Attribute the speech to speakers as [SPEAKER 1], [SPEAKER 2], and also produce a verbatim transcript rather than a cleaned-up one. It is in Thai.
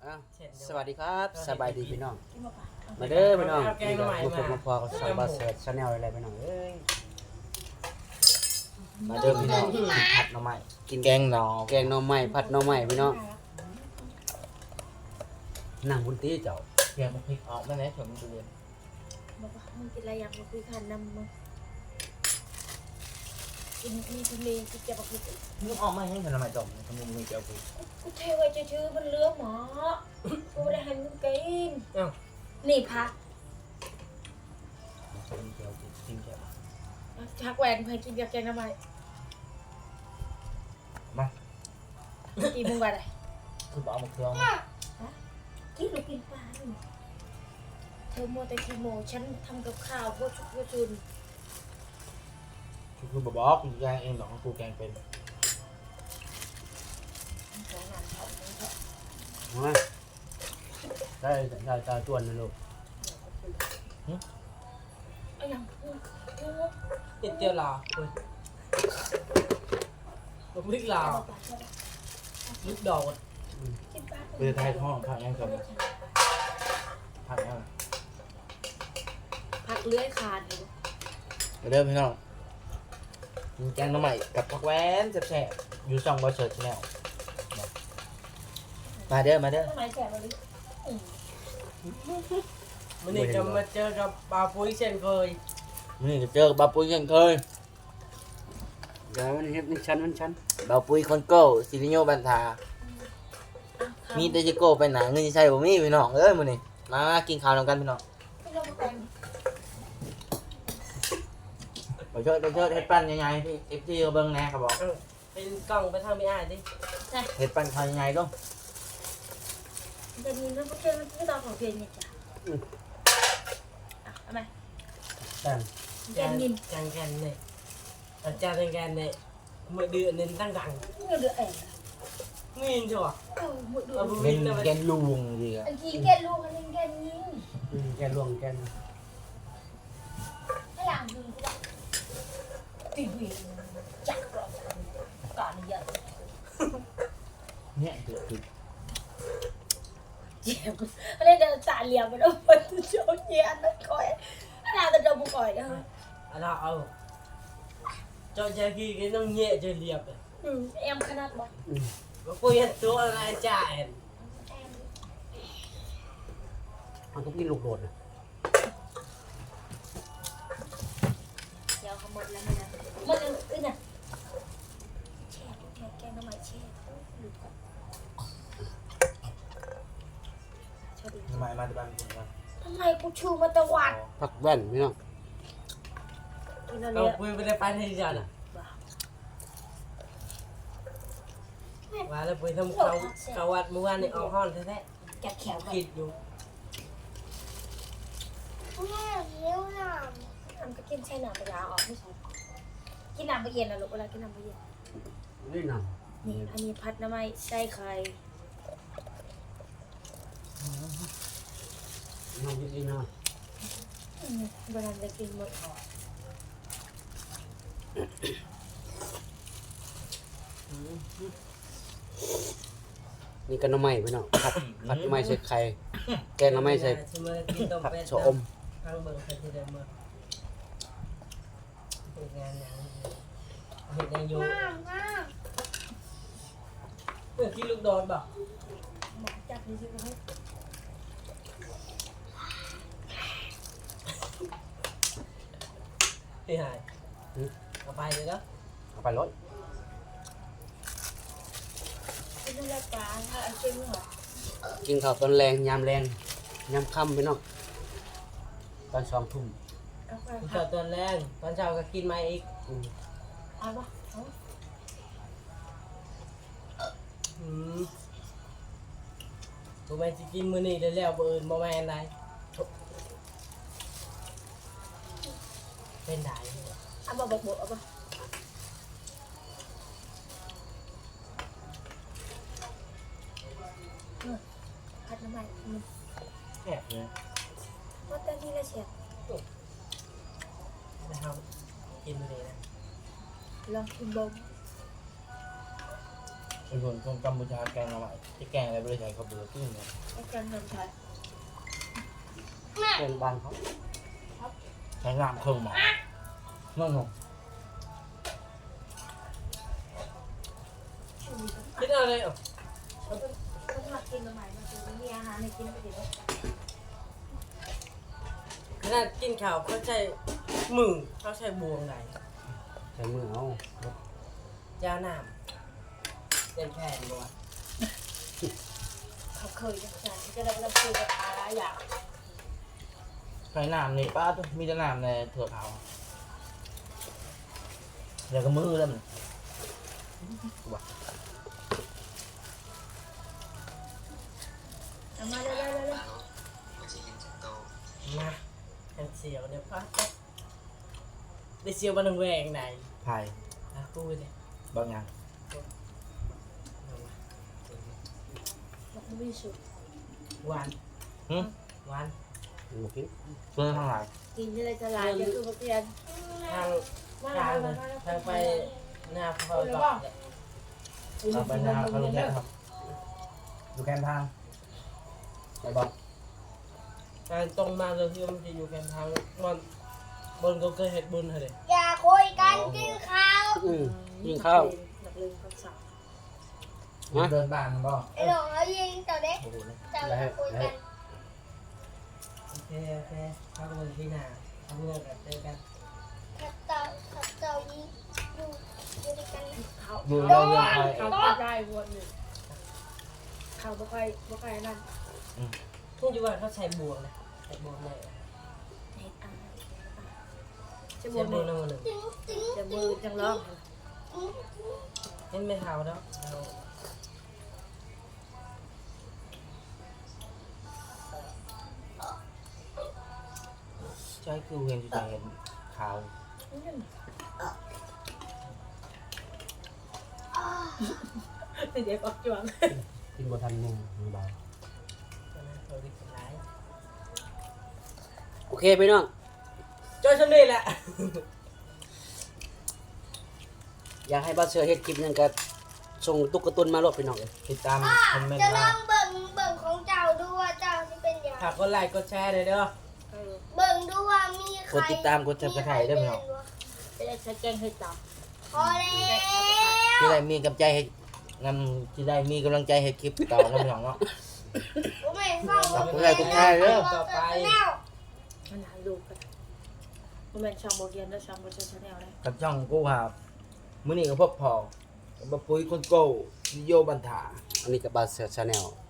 [SPEAKER 1] สวัสดีครับสบายดีพี่น้องมาเด้อพี่น้องนี่ก็มาพบมาพอกับสาวบาเสิร์ชชาแนลอะไรพี่น้องเอ้ยมาเด้อพี่น้องกินผัดหน่อไม้กินแกงหน่อแกงหน่อไม้ผัดหน่อไม้พี่น้องนั่งบนตีเจ้า
[SPEAKER 2] เดี๋ยวมันพลิกออกมาไหนเถอะมึงดูเลย
[SPEAKER 3] บอกว่ามึงกินอะไรอยากมาคุยกันนำมึงกินมีทะเลกินจะมาคุยกัน
[SPEAKER 2] มึงออกมาให้ทำไมจบทำไมมึงจะเอาคุย
[SPEAKER 3] กูเทไว้จะชื่อมันเลือหมอกูได้ให้มึงกินนี่พักชักแหวนเพื่อกินกับแกงทำไม
[SPEAKER 2] มา
[SPEAKER 3] กินมึงก่อนเลย
[SPEAKER 2] คือบอกมาเครื่อง
[SPEAKER 3] กินหรือกินปลาเธอมัวแต่ขี้โมฉันทำกับข้าวพวกชุกพวกชุน
[SPEAKER 2] คือบอกกูแกงเองหรอกกูแกงเป็น
[SPEAKER 1] มาได้ได้ได้จวนนะลูก
[SPEAKER 3] ไอ้ยัง
[SPEAKER 2] ติดเจียวลาคุณลูกลิกลาลูกดอกเรือไทยท้องผักยังกับผักยัง
[SPEAKER 3] ผักเลื้อยคานอยู่
[SPEAKER 2] เริ่มพี่น้องแกงน้ำใหม่กับผักแว้นแซ่บๆอยู่ช่องบอเชิร์ชแนลมาเด้อมาเด้อ
[SPEAKER 4] มันนี่จะมาเจอกับปลาปุ้ยเช่นเคย
[SPEAKER 2] มันนี่จะเจอกับปลาปุ้ยเช่นเคย
[SPEAKER 1] เดี๋ยวมันเฮ็ดมันชั้นมันชั้น
[SPEAKER 2] ปลาปุ้ยคนโก้ซิลิโยบันทามีเดจิโก้ไปหนาเงินใช่ผมมีพี่น้องเอ้ยมันนี่มากินข้าวนำกันพี่น้องไปเชิดไปเชิดเฮ็ดปั้นยังไงพี่เอฟซีเบิ้งแน่ครับบอก
[SPEAKER 4] เป็นกล้องไปทางไม่อ่านดิ
[SPEAKER 2] เฮ็ดปั้นทำยังไงต้อง
[SPEAKER 3] จะมีน้ำพุเค็มมันไม่ต้องของเพียงเนี่ยจ้ะเอาไหม
[SPEAKER 1] แกง
[SPEAKER 3] แกงนิน
[SPEAKER 4] แกงแกนเนี่ยอาจารย์แกนเนี่ยมือเดือดเนี่ยตั้งดัง
[SPEAKER 3] มือเดือดเอ๋
[SPEAKER 4] นี่ชัวร์
[SPEAKER 3] เออมือเดือด
[SPEAKER 2] เป็นแกนลุงดีอ่ะ
[SPEAKER 3] อันที่แกนลุงอันนี้แกนยิง
[SPEAKER 1] แกงลวงแกง
[SPEAKER 3] ให้หลังดูก็ตีวีจักรก่อนเยอะ
[SPEAKER 2] เนี่ยเดือดคือ
[SPEAKER 3] เจ็บอะไรเดินสายเหลี่ยมไปแล้วมันโจนเย็นนั่นคอยน่าจะโดนบุกก่อยนะ
[SPEAKER 4] อะไรเอาจอจะกี่ก็ต้องเงี้ยจะเรียบเลย
[SPEAKER 3] อืมเอ็มขนาดบ่
[SPEAKER 4] ว่าปุ้ยตัวอะไรจ่าย
[SPEAKER 1] มันก็กินลูกโดดนะ
[SPEAKER 3] เดี๋ยวเขาหมดแล้วมันนะมันอึนอ่ะแช่แช่แกงน้ำมันแช่
[SPEAKER 2] ทำไมมาที่บ้านคุณครับ
[SPEAKER 3] ทำไมกูชูมาตะวัน
[SPEAKER 1] ผักแว่นพี่น้อง
[SPEAKER 4] เราปุ้ยไม่ได้ไปที่จันอ่ะว่าแล้วปุ้ยทำเขาเขาวัดเมื่อวานนี่เอาห้อนแท้
[SPEAKER 3] ๆแกะแขว
[SPEAKER 4] กินอยู่
[SPEAKER 3] แม่เลี้ยวหนามทำก็กินใช่หนามไปยาออกไม่ใช่กินน้ำไปเย็นนะลูกเวลากินน้ำไปเย็น
[SPEAKER 1] นี่น้
[SPEAKER 3] ำนี่อันนี้พัดน้ำไม้ใส่ไข่
[SPEAKER 1] น้ำกินน้
[SPEAKER 3] ำบางทีจะกินหมดออก
[SPEAKER 1] นี่ก็น้ำไม้พี่น้องผัดผัดน้ำไม้ใส่ไข่แกงน้ำไม้ใส่ผักชะอม
[SPEAKER 4] ทางเบิร์ใครที่เดิมมาเหตุงานอย่างเหตุงานอยู่เมื่อกี้ลูกโดนบอก
[SPEAKER 3] จับดีสิครับ
[SPEAKER 4] พี่หายเอาไปเลยแล้ว
[SPEAKER 1] เอาไปรถ
[SPEAKER 3] กินอะไรปลาถ้าเอากินเหรอ
[SPEAKER 1] กินข้าวตอนแรงยามแรงยามค่ำพี่น้องตอนสองทุ่ม
[SPEAKER 4] ตอนตอนแรงตอนเช้าก็กินมาอีก
[SPEAKER 3] เอาปะ
[SPEAKER 4] อืมตัวแม่จะกินมื้อนี้ได้แล้วบ่อื่นบ่แม่นได้เป็นได้
[SPEAKER 3] เอามาบอกบอกเอาปะผัดน้ำมัน
[SPEAKER 2] แอบเลย
[SPEAKER 3] ว่าแต่ที่ละเฉียด
[SPEAKER 4] นะครับกินมื้อนี้นะ
[SPEAKER 3] ลองชิมบง
[SPEAKER 2] เค็เป็นคนคนกัมพูชาแกงหน่อไม้ที่แกงอะไรไม่ได้ใช้ข้าวเบื่อกินเนี่ย
[SPEAKER 3] เอากันทำใช้
[SPEAKER 1] เป็นบ้านเขา
[SPEAKER 2] ใช้น้ำเครื่องหมอนั่นหรอ
[SPEAKER 4] คิดอะไรอ่ะ
[SPEAKER 3] คนมากินใหม่มาซื้อมีอาหารให้กินไปดิ
[SPEAKER 4] ขนาดกินข้าวเขาใช้มือเขาใช้บวงไหน
[SPEAKER 1] ใช้มือเอา
[SPEAKER 4] ยาวน้ำเต็มแผ่นบ่วะ
[SPEAKER 3] เขาเคยจะใช้จะได้รับซื้อกับอะไรอย่าง
[SPEAKER 2] ใช้น้ำนี่ป้าตัวมีแต่น้ำในเถือกเขาเดี๋ยวก็มือแล้วมัน
[SPEAKER 3] เอามาเร็วๆๆ
[SPEAKER 4] มาแอนเสียวเดี๋ยวพักได้เสียวบันแหวงไหน
[SPEAKER 2] ไผ่
[SPEAKER 4] อ่ะกูเลย
[SPEAKER 2] บางอย่าง
[SPEAKER 3] ๆมันมีสุด
[SPEAKER 4] หวาน
[SPEAKER 2] หึ
[SPEAKER 4] หวาน
[SPEAKER 1] หมูกิน
[SPEAKER 2] เพื่อนทั้งหลาย
[SPEAKER 3] กินอะไรจะลายจะคือมาเปลี่ยน
[SPEAKER 4] ทางทางทางไปหน้าเขาตอกเนี่ย
[SPEAKER 2] เราไปนาเขาลงแค่ครับดูแคมทางไปบอก
[SPEAKER 4] ทางตรงมาเลยที่มันจะอยู่แคมทางมันบนก็เคยเห็ดบุญเลย
[SPEAKER 3] อย่าคุยกันกินข้าว
[SPEAKER 1] อืมยิงข้าว
[SPEAKER 3] นักเรียนคำสั่ง
[SPEAKER 2] เดินบ้านมันบอก
[SPEAKER 3] ไอ้หลงเอายิงเจ้าเด็ก
[SPEAKER 2] โอ้โหเนี่ย
[SPEAKER 3] เจ้าอย่าคุยกัน
[SPEAKER 4] โอเคโอเคเข้าไปที่หน้าทำเรื่องกันเจอกัน
[SPEAKER 3] ถ้าเจ้าถ้าเจ้ายิงอยู่อยู่ด้วยกันเขา
[SPEAKER 2] ดูเรื่องเรื่องอะไร
[SPEAKER 3] เขาก็ได้วนหนึ่งเขาไม่ค่อยไม่ค่อยนั่น
[SPEAKER 4] ทุ่งจีวันเขาใช้บวงนะใช้บวงเลย
[SPEAKER 3] เห็ดอ่ะจะ
[SPEAKER 4] ใช้
[SPEAKER 3] บบ ว
[SPEAKER 4] ว
[SPEAKER 3] น
[SPEAKER 4] ง
[SPEAKER 3] หนึ่ง
[SPEAKER 4] น้ำมันหนึ่ง
[SPEAKER 3] จะมือจังร้อง
[SPEAKER 4] เห็นไม่เท่าแล้วเอา
[SPEAKER 2] ใช่คือเห็นจุดเห็นขาว
[SPEAKER 3] เดี๋ยวก็จวง
[SPEAKER 1] กินบ่ทันนุ่งมือเบา
[SPEAKER 4] ตอนนั้นเขาดิบร้าย
[SPEAKER 1] โอเคพี่น้อง
[SPEAKER 4] จอยชนนี่แหละ
[SPEAKER 1] อยากให้บ้านเสือเฮ็ดคลิปหนึงก็ส่งตุ๊กตุนมาโลดพี่น้องเอ้ย
[SPEAKER 2] ติดตามคอมเมนต์
[SPEAKER 3] จะล
[SPEAKER 2] มา
[SPEAKER 3] องเบิ่งเบิ่งของเจ้าดูว่าเจ้าที่เป็นอย่าง
[SPEAKER 4] ฝากกดไลค์กดแชร์เลยเด้อ
[SPEAKER 3] เบิ่งดูว่ามีใคร
[SPEAKER 2] กดติดตามกดจับกระถ่ายได้ไหมน้อง
[SPEAKER 3] จะได้ใช้แกงให้จับพอแล้ว
[SPEAKER 2] ที่ได้มีกำลังใจให้งานที่ได้มีกำลังใจให้คลิปต่อนะพี่น้องเนาะ
[SPEAKER 3] ผมไม่ฟัง
[SPEAKER 2] ขอบคุณหลายทุกท่านเด้อ
[SPEAKER 4] ต่อไป
[SPEAKER 3] ขนาดดูกันมันเป็นช่องโบเกียนและช่องโบเชนชาแนลเลย
[SPEAKER 2] กับช่องกูครับมื้อนี้ก็พบพอกับปุ้ยคนโก้วิโยบันถา
[SPEAKER 1] อันนี้ก็บ้านเสือชาแนล